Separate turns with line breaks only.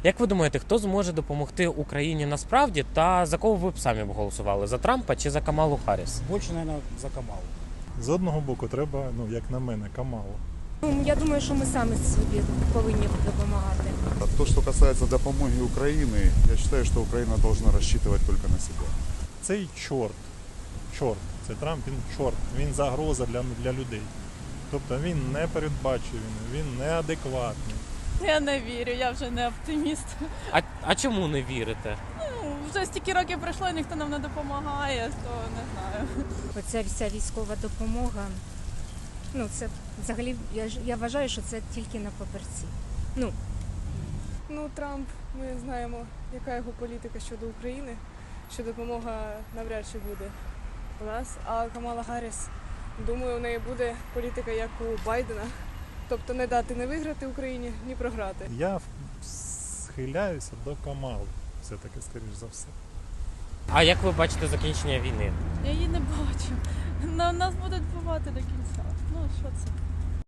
Як ви думаєте, хто зможе допомогти Україні насправді, та за кого ви б самі б голосували? За Трампа чи за Камалу Харріс?
Більше, мабуть, за Камалу.
З одного боку треба, як на мене, Камалу.
Я думаю, що ми самі собі повинні допомагати.
То, что касается допомоги Украины, я считаю, что Украина должна рассчитывать только на себя.
Цей чорт, це Трамп, він чорт, він загроза для людей. Тобто він непередбачуваний, він неадекватний.
Я не вірю, я вже не оптиміст.
А чому не вірите?
Вже стільки років пройшло, і ніхто нам не допомагає, то не знаю.
Оця вся військова допомога, це взагалі, я вважаю, що це тільки на папірці.
Трамп, ми знаємо, яка його політика щодо України, що допомога навряд чи буде у нас. А Камала Гарріс, думаю, у неї буде політика, як у Байдена. Тобто не дати не виграти Україні, ні програти.
Я схиляюся до Камали, все-таки, скоріш за все.
А як ви бачите закінчення війни?
Я її не бачу. Нас будуть вбивати до кінця. Що це?